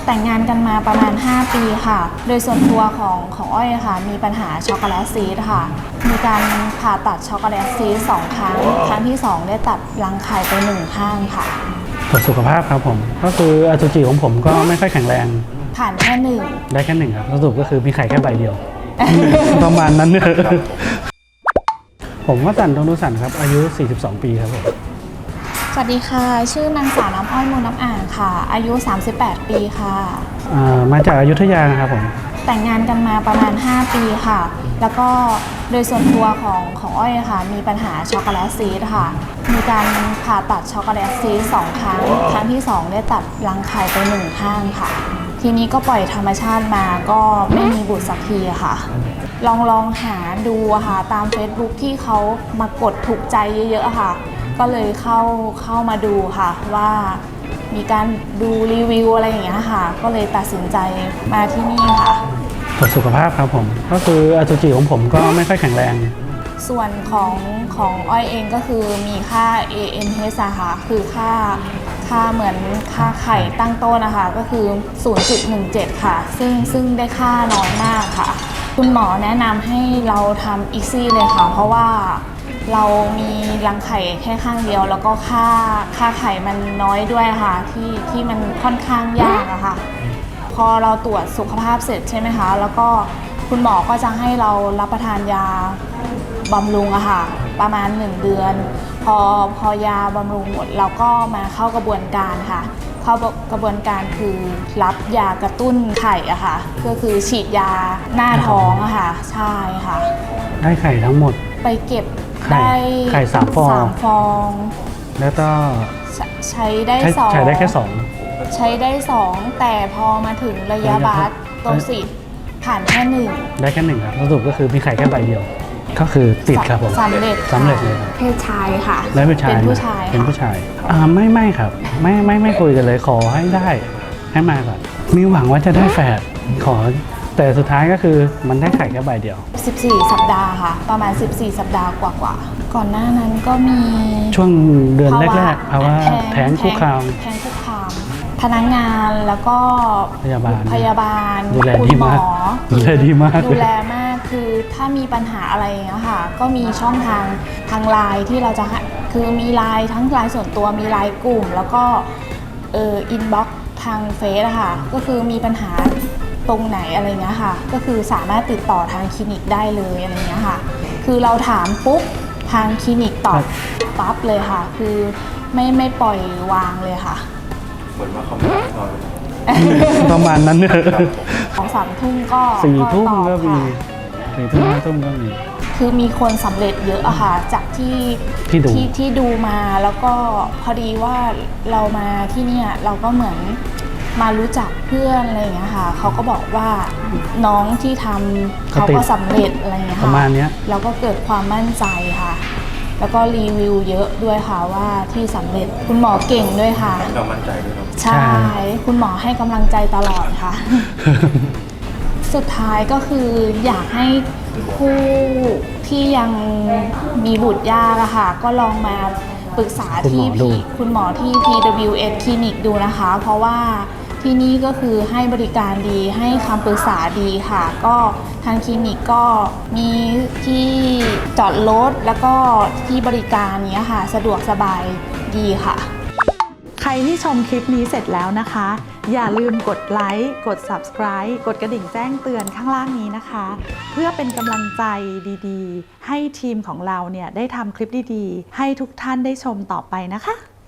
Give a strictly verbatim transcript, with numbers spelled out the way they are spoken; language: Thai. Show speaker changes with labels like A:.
A: แต่งงานกันมาประมาณห้าปีค่ะโดยส่วนตัวของของอ้อยค่ะมีปัญหาช็อกโกแลตซีสค่ะมีการผ่าตัดช็อกโกแลตซีสสองครั้งครั้งที่สองได้ตัดรังไข่ไปหนึ่งข้างค่ะ
B: ตรวจสุขภาพครับผมก็คืออสุจิของผมก็ไม่ค่อยแข็งแรง
A: ผ่านแค่หนึ่ง
B: ได้แค่หนึ่งครับสรุปก็คือมีไข่แค่ใบเดียว ประมาณนั้นเนี่ยผมว่าสันตนุสันครับอายุสี่สิบสองปีครับผม
A: สวัสดีค่ะชื่อนางสาวน้ำอ้อยมูลน้ำอ่างค่ะอายุสามสิบแปดปีค่ะ
B: มาจากอยุธยานะครับผม
A: แต่งงานกันมาประมาณห้าปีค่ะแล้วก็โดยส่วนตัวของของอ้อยค่ะมีปัญหาช็อกโกแลตซีสค่ะมีการผ่าตัดช็อกโกแลตซีสสองครั้งครั้งที่สองได้ตัดรังไข่ไปหนึ่งข้างค่ะทีนี้ก็ปล่อยธรรมชาติมาก็ไม่มีบุตรสักทีค่ะลองลองหาดูค่ะตาม Facebook ที่เขามากดถูกใจเยอะๆค่ะก็เลยเข้าเข้ามาดูค่ะว่ามีการดูรีวิวอะไรอย่างเงี้ยค่ะก็เลยตัดสินใจมาที่นี่ค่ะ
B: ตรวจสุขภาพครับผมก็คืออสุจิของผมก็ไม่ค่อยแข็งแรง
A: ส่วนของของอ้อยเองก็คือมีค่า เอ เอ็น เอช ค่ะคือค่าค่าเหมือนค่าไข่ตั้งต้นนะคะก็คือ ศูนย์จุดหนึ่งเจ็ด ค่ะซึ่งซึ่งได้ค่าน้อยมากค่ะคุณหมอแนะนำให้เราทำอีซี่เลยค่ะเพราะว่าเรามีรังไข่แค่ข้างเดียวแล้วก็ค่าค่าไข่มันน้อยด้วยค่ะที่ที่มันค่อนข้างยากอะค่ะพอเราตรวจสุขภาพเสร็จใช่ไหมคะแล้วก็คุณหมอก็จะให้เรารับประทานยาบำรุงอะค่ะประมาณหนึ่งเดือนพอพอยาบำรุงหมดเราก็มาเข้ากระบวนการค่ะเข้ากระบวนการคือรับยากระตุ้นไข่อะค่ะก็คือฉีดยาหน้าท้องอะค่ะใช่ค่ะ
B: ได้ไข่ทั้งหมด
A: ไปเก็บได้
B: ไข่สามฟอง
A: สามฟอง
B: แล้วก็
A: ใช้ได้สอง
B: ใช้ได้แค่สอง
A: ใช้ได้สองแต่พอมาถึงระยะบาสโตสิผ่านแค่หนึ่ง
B: ได้แค่หนึ่งครับสรุปก็คือมีไข่แค่ใบเดียวก็คือติดครับผม
A: สำเร็จ
B: สำเร็จเลย
A: เพศชายค่ะ
B: แล้วเป็นชาย
A: เป็นผู้ชาย
B: เป็นผู้ชายอ่าไม่ไม่ครับไม่ไม่ไม่คุยกันเลยขอให้ได้ให้มาก่อนมีหวังว่าจะได้แฝดขอแต่สุดท้ายก็คือมันได้ไข่แค่ใบเดียว
A: สิบสี่สัปดาห์ค่ะประมาณสิบสี่สัปดาห์กว่าๆก่อนหน้านั้นก็มี
B: ช่วงเดือนแรกๆภาวะแท้งคุกคาม
A: แท้งคุกคามพนักงานแล้วก็
B: พยาบาล
A: พยาบาล
B: ดูแลดีมากดูแลดีมาก
A: ดูแลมากคือถ้ามีปัญหาอะไรอย่างเงี้ยค่ะก็มีช่องทางทางไลน์ที่เราจะคือมีไลน์ทั้งไลน์ส่วนตัวมีไลน์กลุ่มแล้วก็เอ่ออินบ็อกซ์ทางเฟซอะค่ะก็คือมีปัญหาตรงไหนอะไรเงี้ยค่ะก็คือสามารถติดต่อทางคลินิกได้เลยอะไรเงี้ยค่ะคือเราถามปุ๊บทางคลินิกตอบปั๊บเลยค่ะคือไม่ไม่ปล่อยวางเลยค่ะ
C: เหมือนว่าเขาไม่ได้นอน
B: ประมาณนั้นเนี่ย
A: ของสามทุ่มก็
B: สี่ทุ่มก็มีสี่ทุ่มห้าทุ่มก็มี
A: คือมีคนสำเร็จเยอะอะค่ะจากที่ที่ที่ดูมาแล้วก็พอดีว่าเรามาที่นี่เราก็เหมือนมารู้จักเพื่อนอะไรอย่างเงี้ยค่ะเขาก็บอกว่าน้องที่ทำเขาก็สำเร็จอะไรอย่างเงี้ยค่ะ
B: ประมาณนี้
A: เราก็เกิดความมั่นใจค่ะแล้วก็รีวิวเยอะด้วยค่ะว่าที่สำเร็จคุณหมอเก่งด้วยค่ะ
C: เรามั่นใจด้วย
A: ใช่คุณหมอให้กำลังใจตลอดค่ะ สุดท้ายก็คืออยากให้ผู้ที่ยังมีบุตรยากอะค่ะก็ลองมาปรึกษาที่คุณหมอที่ พี ดับเบิลยู เอส คลินิกดูนะคะเพราะว่าที่นี่ก็คือให้บริการดีให้คำปรึกษาดีค่ะก็ทางคลินิกก็มีที่จอดรถแล้วก็ที่บริการเนี้ยค่ะสะดวกสบายดีค่ะ
D: ใครที่ชมคลิปนี้เสร็จแล้วนะคะอย่าลืมกดไลค์กด ซับสไครบ์ กดกระดิ่งแจ้งเตือนข้างล่างนี้นะคะเพื่อเป็นกำลังใจดีๆให้ทีมของเราเนี่ยได้ทำคลิปดีๆให้ทุกท่านได้ชมต่อไปนะคะ